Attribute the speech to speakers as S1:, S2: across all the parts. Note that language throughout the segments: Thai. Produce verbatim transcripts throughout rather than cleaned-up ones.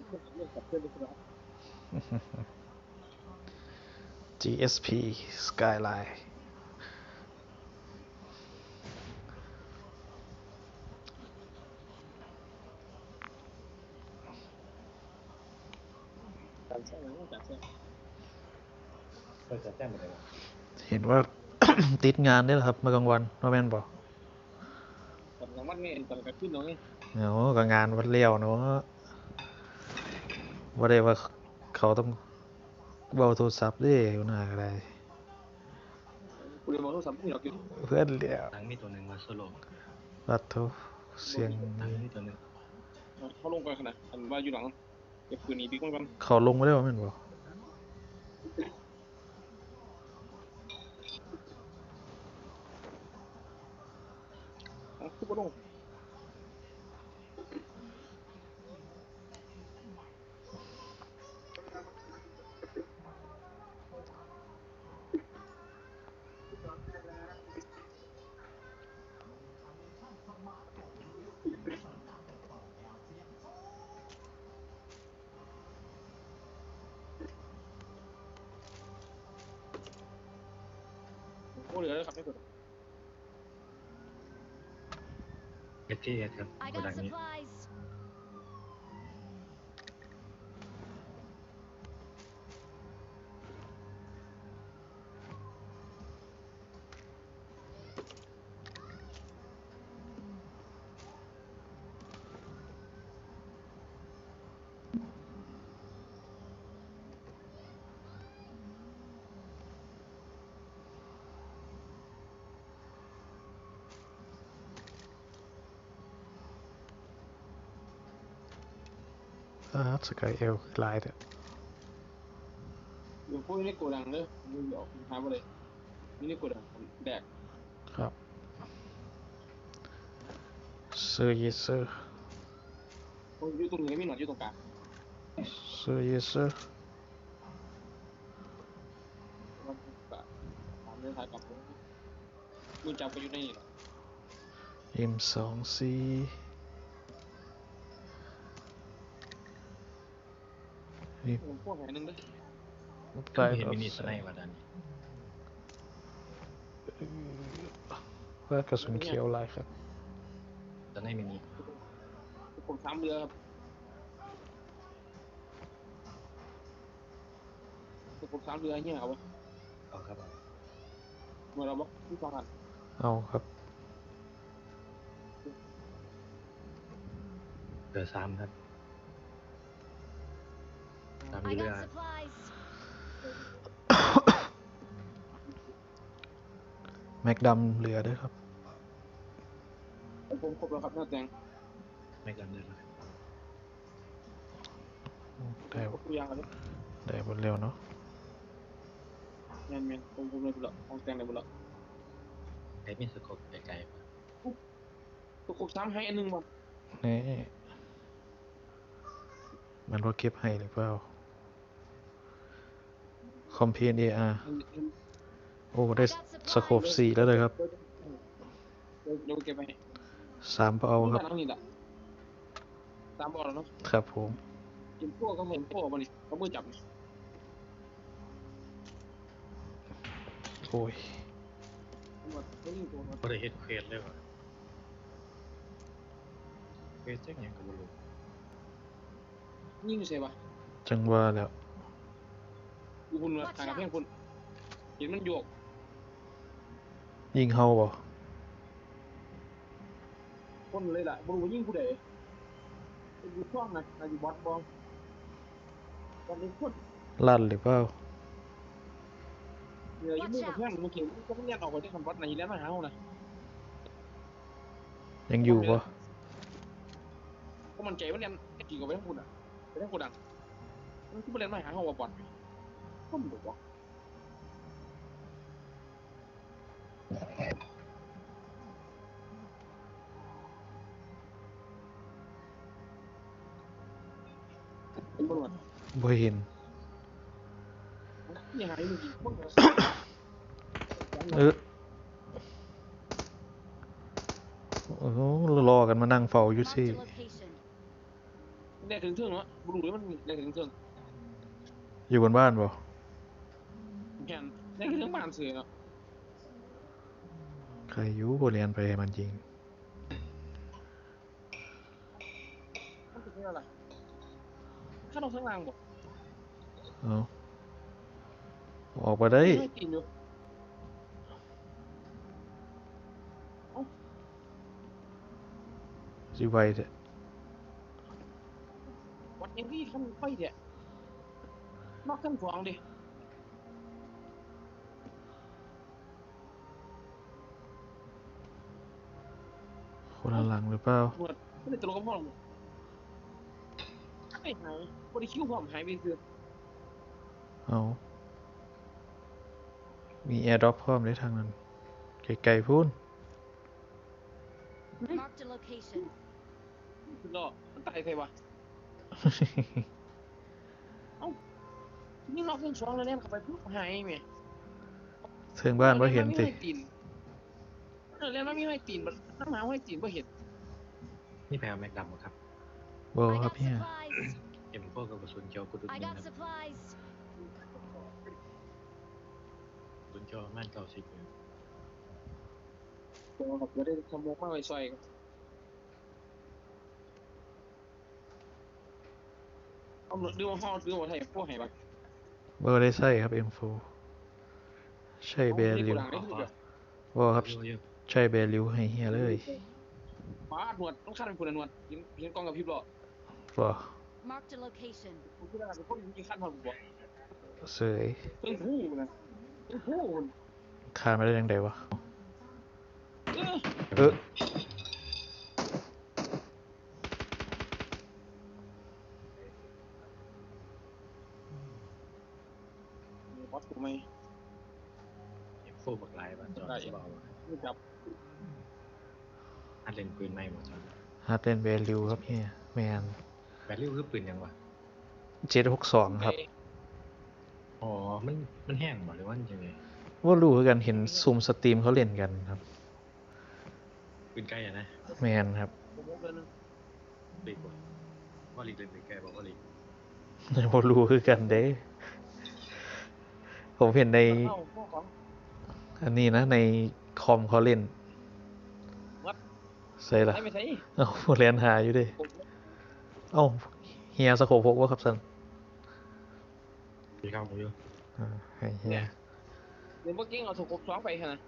S1: จี เอส พี Skyline
S2: การแช่งนะการแช่งเออการแช่งเป็นไงวะ
S1: เห็นว่า ติดงานได้เหรอครับเมื่อกลางวันว่าแม่นบอก
S2: ตอนกลางวันไม่ตอนกลางคืนเนาะ
S1: เนาะก็งานวัดเลี้ยวเนาะว่าได้ว่าเขาต้องเบาโทรศัพท์ด้วยหน้าอะไร
S2: กูเลยมองโทรศัพท์ไม่หรอกอยู่
S1: เพื่อนเลี้ยว
S3: ตังมีตัวหนึ่งมาโซโล่
S1: รัดโทเสียง
S3: ตังมีตัวหนึ่ง
S2: เขาลงไปขนาดอันว่าอยู่หลังเก็บปืนนี้บิ๊กมัน
S1: เขาลงไม่ได้ว่าแม่นบอก
S2: อ่ะคือบ่ลงโอ้เหลือแล้วครับไม่กด
S3: เอสทีเอสครับ
S4: I
S3: โก
S4: got
S3: ดังนี้
S4: supplies.
S1: อ่าสกายเอลลายเด้อ
S2: อยู่พวกนี้โกดังเลยมึงเดี๋ยวหาไปเลยนี่โกดังแดก
S1: ครับเซอร์เยเซอร์
S2: อยู่ตรงนี้ไม่หนอนอยู่ตรงกลาง
S1: เซอร์เยเซอร์
S2: มันแบบตามเรื่องทางกับผมกูจับไปอยู่ในนี่แหละ
S1: เอ็มสองซีนี่
S2: ผมพวกแห่งนึงด้วย
S1: กลาย
S3: เห็น
S1: เป็น
S3: มินิสไนว่าด้านนี้
S1: ว่ากระสุนเขียวลายครับ
S3: ตอนนี้มินิ
S2: ผมซ้ำเรือครับผมซ้ำเรือเนี่ยเอาไว้
S3: เอาครับ
S2: เมื่อเราบอกที่สองอัน
S1: เอาครับ
S3: เดือซ้ำครับตาม
S4: I
S3: เรือ
S4: got supplies.
S1: แม็กดำเหลือด้วยครับ
S2: ผมครบแล้วครับหน้าแตง
S3: ไม่กันเลยครับ
S1: ได้
S2: ครบทุกอย่างแล้ว
S1: ได้บนเร็วเนาะ
S2: แมนแมนผมผมเลยบุญละของแตงเลยบุญละ
S3: ไอ้มีสกปไกลๆป่ะ
S2: ตัวครบซ้ำให้อันนึงบ่
S1: นี่มันว่าเก็บให้หรือเปล่าคอมเพนเออาร์โอ้ได้สโคปสี่แล้วเลยครับ
S2: เดี๋ยวเก็บไป
S1: สามเอาครับ
S2: นี่แหละตามบอลแล้วเนาะ
S1: ครับผม
S2: กินพวกก็เห็นพวกมันนี่เขามือจับนี่
S1: โอ้ย
S2: หมดเขายิงตัว
S3: ก็ได้เห็นเควสเลยว่ะเควสแจ้งยังกับบุรุษ
S2: ยิงเสียป่ะ
S1: จังว่าแล้ว
S2: กูคุณทางกับเพื่อนคุณเห็นมันโยก
S1: ยิงเฮาบ่
S2: คนเลยล่ะบรูยิงผู้ใดเป็นดูช่องนะนายอยู่บอสบอลตอนนี้คน
S1: ลั่นหรือเปล่า
S2: เหนื่อยยุ่งกับเพื่อนมันเขียนก็ไม่เรียนออกไปที่คำบอสนายแล้วมาหาเขานะ
S1: ยังอยู่บ่
S2: ก็มันใจว่าเรียนกี่กับไปทั้งคุณอ่ะไปทั้งคุณดังมันคือไปเรียนมาหาเขาว่าบอลก็มันบอกว่าเป็นบอล
S1: บ่เห็น
S2: ยังไงมึงกี่คน
S1: เออโอ้โหรอกันมานั่งเฝ้าอยู่สิ
S4: Marked a location.
S2: ได้ถึงเทิงเนาะบุรุษมันได้ถึงเทิง
S1: อยู่บนบ้านบ่
S2: แค่นได้ถึงบ้านเสือเนาะ
S1: ใครอยูบ่เรียนไปให้มันจริง
S2: มันเป็นอะไรข้าเราข้างล่างบ่
S1: เอาออกมาได้
S2: ไม่ตีนอยู่
S1: สิไวเถอะ
S2: วัดยังที่ขั้นไฟเนี่ยนอกขั้นสองดิ
S1: คนละหลังหรือเปล่า
S2: หนวดไม่ได้ตลกกับพ่อหรอกไม่หายบริคิวผมหายไปคือ
S1: เอามีแอร์ดรอปพร้อมได้ทางนั้นไกลๆพูน
S4: Marked a location.
S2: คือรอมันตายใครวะเอ้านี่นอกขั้นสองแล้วเนี่ยเข้าไปปุ๊บหายไหม
S1: เทิงบ้านบ่เห็นติ
S2: เออแล้วไม่ให้ตีนมันน้ำหมาให้ตีนบ่เห็น
S3: นี่แปลว่าแม็กดำเหรอครับ
S1: บ่
S4: I
S1: ครับ
S4: got
S1: เฮีย
S4: supplies.
S3: เอ็มโฟกับกระสุนเขียวกุดุด
S4: I
S3: หนึ่ง
S4: got
S3: ครับ
S4: supplies.
S3: กระสุนเขียวประม่านเก้าสิบเลย
S2: ตัวแบบไม่ได้ทำโมกมากเลยซอยเอาดูมาห่อดูมาไทยพวกไหนบ้าง
S1: บ่ได้ใส่ครับ เอ็ม โฟร์ ใช่แบริว
S2: หลังได้คือแบบ
S1: บ่ครับ
S3: เยอะเยอะ
S1: ใช่แบริวให้เฮียเลย
S2: ฟ้าหนวดต้องคาดเป็นคนหนวดยิงยิงกองกับพริบหรอ
S1: บ่
S4: Marked a location.
S2: ผมคิดว่าเป็นคนยิงคาดหนวดบ่
S1: เสย
S2: เพิ่งพูดนะเพิ่งพูด
S1: คานมาได้ยังไงวะ
S2: เออ
S1: เออ
S2: บอสกูไม่
S3: เอ็มโฟบักลายบ้านจอดสบายว่ะ
S2: ไม่จับ
S3: อัดเล่นปืนไม่หมดจอด
S1: ฮัดเล่นแบริวครับเฮียแมน
S3: แบตลิวคือปืนยังวะ
S1: เจ็ดหกสองครับ
S3: อ๋อมันมันแห้งบ่หรือว่ามันยังไง
S1: ว่ารู้คือกันเห็นซูมสตรีมเขาเล่นกันครับ
S3: ปืนใกล้อะนะ
S1: แมนครับ
S2: ผมบอกเลยนะ
S3: ลีกว่าว่าลีกเล่นปืนใกล้บอกว่าลีก
S1: บ่รู้คือกันเด้ ผมเห็นใน
S2: เข้าพวกของ
S1: อันนี้นะ ในคอมเขาเล่น
S2: วัด
S1: ใส่ละ
S2: ได้ไม่ใช่
S1: เอ้าเรียนหาอยู่เดิเอ้าเฮียสโคปพกว่าครับสัน
S3: ปีเข้ามาอยู่
S1: อ่าให้เฮีย
S2: เดี๋ยวเมื่อกี้เอาถูกกบสองไปค่ะนะ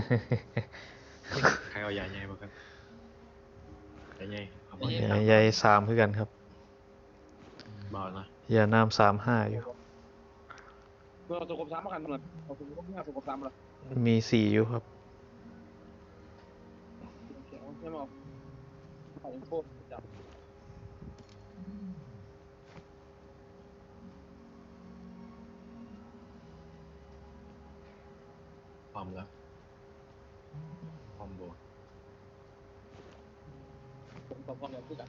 S3: ใครเอายาใหญ่บ่ครับยาใหญ่เอาบ่
S1: ใหญ่ใหญ่สามคือกันครับ
S3: บ่เนาะ
S1: ยาน้ำสามห้าอยู่
S2: เมื่อเอาถูกกบสามมากันหนวดเอาถูกกบห้าถูกกบสามมา
S1: มีสี่อยู่ครับ
S2: ใช่ไหมใส่โคตรจับ
S3: พร้อมแล้วพร้อมบวก
S2: ผมตอบความแบบที่กัน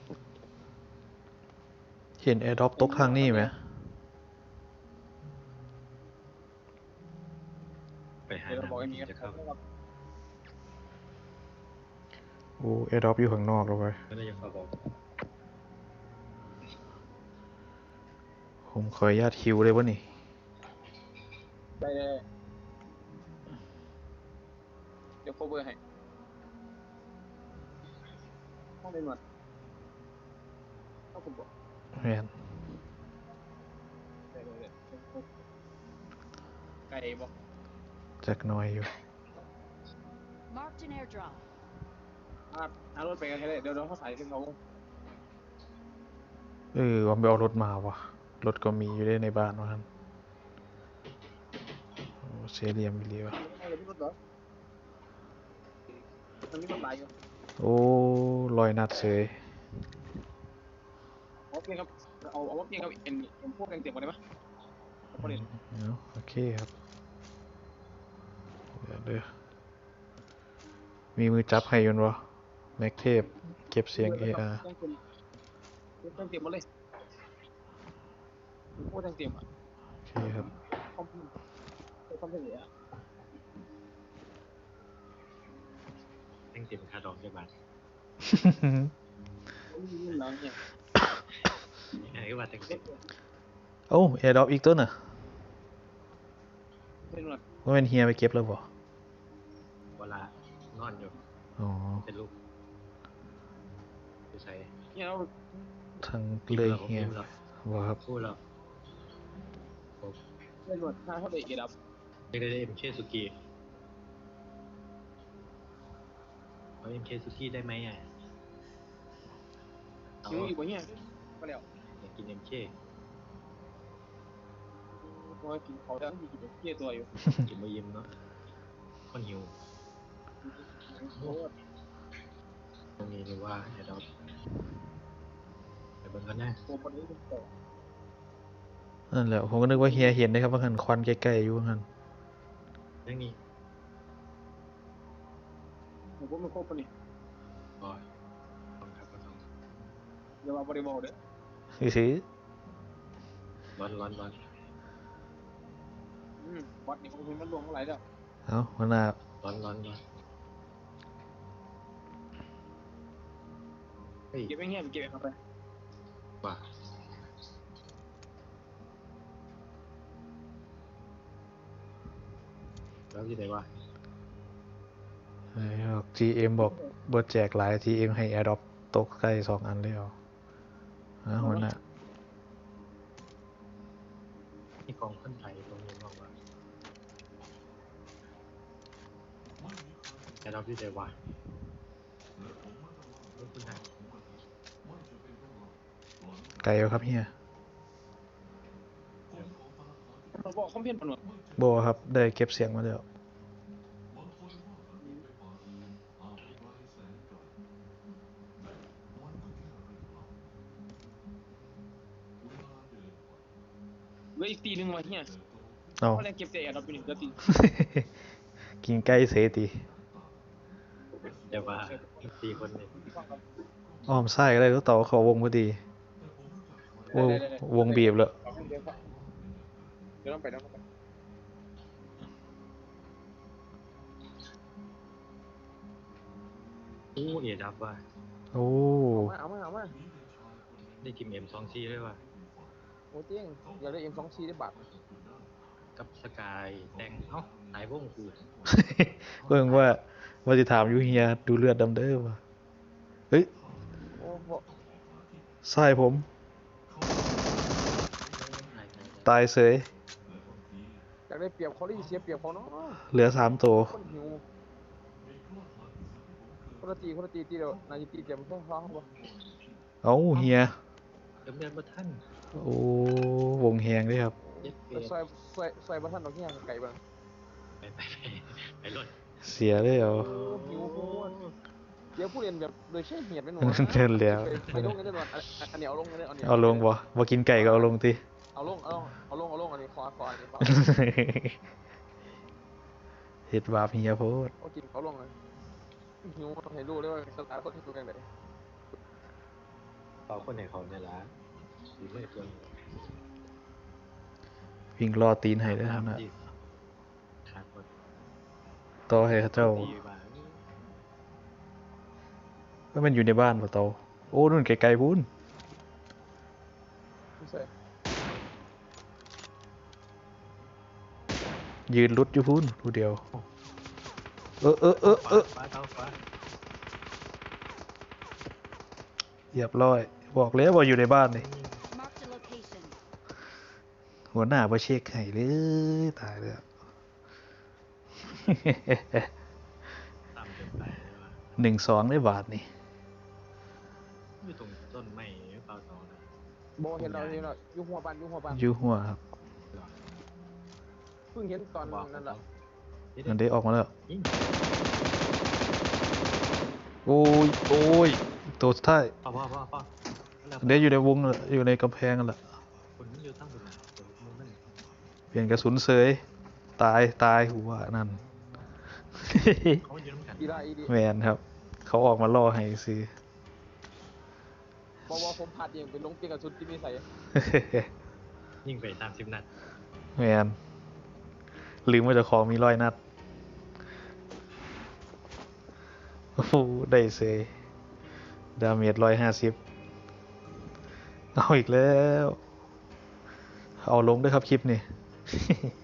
S1: เห็นแอร์ดรอปตกทางนี้ไหม
S3: ไปหา
S2: เดี๋ยวเราบอกไอ้
S3: น้ำ
S2: นี้
S3: ที่
S2: กัน
S3: จะเข้า
S1: โอ้แอร์ดรอปอยู่ข้างนอกแล้วไป
S3: ก็ได้ยังเข้าบอก
S1: ผมขออนุญาตคิวเลยวะนี่
S2: ได้เลยเดี๋ยวโคเวอร์ให้ต้องเป็นหนวดต้องผมบอก
S1: แมน
S2: ได้เลยไก่บอก
S1: จักหน้อยอยู่
S4: Marked an airdrop.
S2: อ่าหารถไปกันให้ได้เดี๋ยวเราเขาใส่ขึ้นเขา
S1: เออว่าไปเอารถมาวะรถก็มีอยู่ได้ในบ้านวะท่านโอ้เซเรียมวิลีวะ
S2: เอาเลยพี่รถเหรอมันมีรถหลายอยู่
S1: โอ้ลอยนัดเสย
S2: เอาเพียงครับเอาเอาเพียงครับเอ็นเอ็นพวกแดงเต็มหมดเลยไหมเอาไปเลย
S1: เนาะโอเคครับเดี๋ยวเด้อมีมือจับให้อยุนวะแม็กเทปเก็บเสียง เอ อาร์
S2: แดงเต็มแดงเต็มหมดเลยพวกแดงเต็มอ่ะ
S1: โอเคครับ
S2: คอมพิวเตอร์คอมพิวเตอร์อ่ะ
S3: แท่งเต็มค่าดอกได้บาท
S2: นี่นี่แล้วเนี่ย
S3: ก็ว่าแต่งสิ
S1: โอ้แอร์ดรอปอีกตัวน่ะ
S2: เป็นหมด
S1: ว่าเป็นเฮียไปเก็บแล้วบ่
S3: เวลานอนอยู่
S1: อ๋อ
S3: เป็นลูกไปใส่
S2: เนี่ยเรา
S1: ทางเลยเฮีย
S3: แล้ว
S1: บ่ครับ
S3: พูดแล้ว
S2: เป็นหมดถ้าเขาได้เอดับ
S3: เด็กได้เอ็มเคสุกี้เอาเอ็มเคสุกี้ได้ไหมอ่ะเอา
S2: หิวอีกบ่เนี่ยมาแล้ว
S3: อยากกินเอ็มเค
S2: เพราะว่ากินเขาแล้วมีกินเที่ยตัวอยู่
S3: กินมายิ้มเนาะคนหิว
S2: โอ้ย
S3: ตรงนี้หรือว่าเดี๋ยวเราไปเบิ่งกันนะ
S2: ตัวคนนี้เป็นต่อ
S1: นั่นแหละผมก็นึกว่าเฮียเห็นนะครับว่าหันควันใกล้ๆอยู่หัน
S3: เรื่องนี้
S2: ผมว่ามันครบปะนี่
S3: ก็ต้องครับก็ต้อง
S2: อย่ามาบริบอลเด้อ
S1: ซื้อ
S3: ร้อนร้อนร้อน
S2: อืมวัดนี่มันมันรวมเท่าไหร่แล้ว
S1: เอ้าหัวหน้า
S3: ร้อนร้อนร้อนเฮ้ย
S2: เก็บไว้เงี้ยเก็บเอาไป
S3: ว่าแล้วที่ไหนวะ
S1: ไอ้บอก จี เอ็ม บอกบ่แจกหลาย จี เอ็ม ให้แอร์ดรอปตกใกล้สองอันแล้วฮะหัวหน้า
S3: ที่กองคนไทยตรงนี้บอกว่าแต่เราที่ไหนวะคนไทย
S1: ไกลอยู่ครับเฮีย
S2: เราบอกคอมเพนปะหนวด
S1: บ่ครับได้เก็บเสียงมาแล้ว
S2: เหลืออีกตีหนึ่งวะเฮีย
S1: เอา
S2: เขาเลยเก็บแต่เอดับอยู่นี่เหลือตี
S1: กินไก่เสติ
S3: แต่ว่าสี่คนเนี่ย
S1: อ้อมไส้ก็ได้รู้ต่อเขาวงพอดีวงวงบีบแล้ว
S2: เดี๋ยวต้องไปต้องไป
S3: โอ้เอดับว่ะ
S1: โอ้
S2: เอามาเอามา
S3: ได้ทีมเอ็มสองซีด้วยว่ะ
S2: โอ้เตี้ยงอยากได้เอ็มสองชีได้บาท
S3: กับสกายแดงเอ้าหายวงกู
S1: เพิ่งว่าว่าจะถามอยูเฮียดูเลือดดำเด้อว่ะเฮ้ย
S2: โอ้โห
S1: ไส้ผม
S3: หายไป
S1: ตายเสย
S2: อยากได้เปรียบเขาได้เสียเปรียบเขาเนาะ
S1: เหลือสามตัว
S2: คนหิวคนละตีคนละตีตีเดียวนายจะตีเตรียมเพื่อฟ้าเขาบ่
S1: เอ้าเฮีย
S3: เดิมเดินมาท่าน
S1: โอ้วงแหงด้วยครับ
S3: เย็ดเป
S2: แต่ซอยซอยซอยบ้านท่านดอกเงี้ยไก่บ้าง
S3: ไปไปไปไปรถ
S1: เสียเลยเหรอ
S2: หิวโคตรเดี๋ยวผู้เรียนแบบโดยใช้เหตุเป็นหนู
S1: เดินแล้ว
S2: ไปลงกันได้ก่อนอันนี้เอาลงกันได้อันนี้
S1: เอาลงบ่บ่กินไก่ก็เอาลงติ
S2: เอาลงเอาลงเอาลงเอาลงอันนี้คอคออันนี้คอ
S1: เฮ็ดบาปเฮียโพด
S2: เอากินเอาลงเลยหิวให้รู้เลยว่าสตาร์คนที่ตัวกันไหน
S3: เอาคนไหนเขาเนี่ยละอยู่ไม่เกิน
S1: วิ่งรอตีนให้ได้อครับน่ะ
S3: ขาดหมด
S1: ต่อให้เขาเจ้า
S3: ตีบ้าง
S1: ว่ามันอยู่ในบ้านป่ะเตาโอ้นู่นไกลๆพูน
S2: ไม่ใช่
S1: ยืนรุดอยู่พูนผู้เดียว เออเออเออเออ
S3: ฟ้าเท้าฟ้า
S1: เรียบร้อย บอกแล้วว่าอยู่ในบ้านนี่
S4: Marked a location.
S1: หัวหน้าบ่เช็คให้เลยตายแล้ว
S3: ต่ำเกินไปเลยว่ะ
S1: หนึ่งสองได้บาทนี่
S3: อยู่ตรงต้นไม้หรือเปล่าต่อนะ
S2: โบเห็นเราเห็นเรายุ่งหัวปันยุ่งหัวปัน
S1: อยู่หัวครับ
S2: เพิ่งเห็นตอนนั้นแหละ
S1: มันได้ออกมาแล้ว
S3: ยิง
S1: โอ้ยโอ้ยตัวสุดท้าย
S3: พ่อพ่อพ่อพ่อแล้ว
S1: เดี๋ยวอยู่ในวงน่ะอยู่ในกำแพงนั่นแหละ
S3: คนมันอยู่ตั้งบนนั้นเดี๋ยวมึงมัน
S1: เปลี่ยนกระสุนเสยตายตายหัวนั่น
S3: เขาอยู่น้ำกัน
S2: อีไลอีดี
S1: แมนครับ เขาออกมาล่อให้ซื้อ
S2: บอกว่าผมพลาดเองเป็นลงเปียกกับชุดที่ไม่ใส่
S3: ยิงไปสามสิบนัด
S1: แมนลืมว่าเจะของมีร้อยนัดโอ้โหได้เสยดาเมจร้อยห้าสิบเอาอีกแล้ว เอาลงด้วยครับคลิปนี่